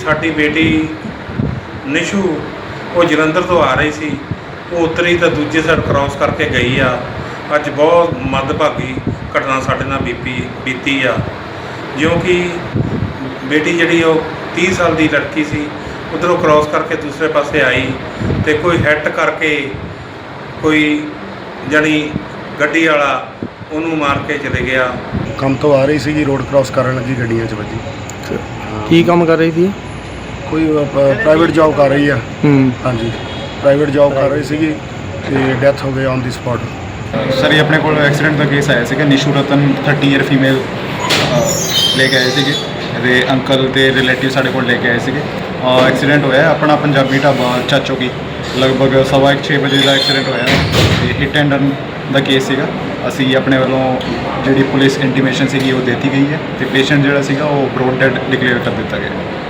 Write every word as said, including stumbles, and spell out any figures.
ਸਾਡੀ ਬੇਟੀ ਨਿਸ਼ੂ ਉਹ ਜਲੰਧਰ ਤੋਂ ਆ ਰਹੀ ਸੀ। ਉਹ ਉਤਰੀ ਤਾਂ ਦੂਜੇ ਸਾਈਡ ਕ੍ਰਾਸ ਕਰਕੇ ਗਈ ਆ। ਅੱਜ ਬਹੁਤ ਮੰਦਭਾਗੀ ਘਟਨਾ ਸਾਡੇ ਨਾਲ ਬੀਪੀ ਬੀਤੀ ਆ, ਜਿਉਂ ਕਿ ਬੇਟੀ ਜਿਹੜੀ ਉਹ ਤੀਹ ਸਾਲ ਦੀ ਲੜਕੀ ਸੀ, ਉੱਧਰੋਂ ਕ੍ਰਾਸ ਕਰਕੇ ਦੂਸਰੇ ਪਾਸੇ ਆਈ ਅਤੇ ਕੋਈ ਹਿੱਟ ਕਰਕੇ ਕੋਈ ਜਾਣੀ ਗੱਡੀ ਵਾਲਾ ਉਹਨੂੰ ਮਾਰ ਕੇ ਚਲੇ ਗਿਆ। ਕੰਮ ਤੋਂ ਆ ਰਹੀ ਸੀਗੀ, ਰੋਡ ਕ੍ਰਾਸ ਕਰਨ ਲੱਗੀ ਗੱਡੀਆਂ 'ਚ ਵੱਜੀ। ਕੀ ਕੰਮ ਕਰ ਰਹੀ ਸੀ? ਕੋਈ ਪ੍ਰਾਈਵੇਟ ਜੌਬ ਕਰ ਰਹੀ ਆ। ਹੂੰ ਹਾਂਜੀ, ਪ੍ਰਾਈਵੇਟ ਜੌਬ ਕਰ ਰਹੀ ਸੀਗੀ ਤੇ ਡੈਥ ਹੋ ਗਈ ਔਨ ਦੀ ਸਪੌਟ। ਸਰ ਇਹ ਆਪਣੇ ਕੋਲ ਐਕਸੀਡੈਂਟ ਦਾ ਕੇਸ ਆਇਆ ਸੀਗਾ। Nishu Ratan thirty year female ਲੈ ਕੇ ਆਏ ਸੀਗੇ ਦੇ ਅੰਕਲ ਤੇ ਰਿਲੇਟਿਵ ਸਾਡੇ ਕੋਲ ਲੈ ਕੇ ਆਏ ਸੀਗੇ। ਐਕਸੀਡੈਂਟ ਹੋਇਆ ਆਪਣਾ ਪੰਜਾਬੀ ਢਾਬਾ ਚਾਚੋ ਕੀ ਲਗਭਗ ਸਵਾ ਇੱਕ ਛੇ ਵਜੇ ਦਾ ਐਕਸੀਡੈਂਟ ਹੋਇਆ ਤੇ ਹਿੱਟ ਐਂਡ ਰਨ ਦਾ ਕੇਸ ਸੀਗਾ। ਅਸੀਂ ਆਪਣੇ ਵੱਲੋਂ ਜਿਹੜੀ ਪੁਲਿਸ ਇੰਟੀਮੇਸ਼ਨ ਸੀਗੀ ਉਹ ਦਿੱਤੀ ਗਈ ਹੈ ਤੇ ਪੇਸ਼ੈਂਟ ਜਿਹੜਾ ਸੀਗਾ ਉਹ ਬਰੋਡ ਡੈਡ ਡਿਕਲੇਅਰ ਕਰ ਦਿੱਤਾ ਗਿਆ।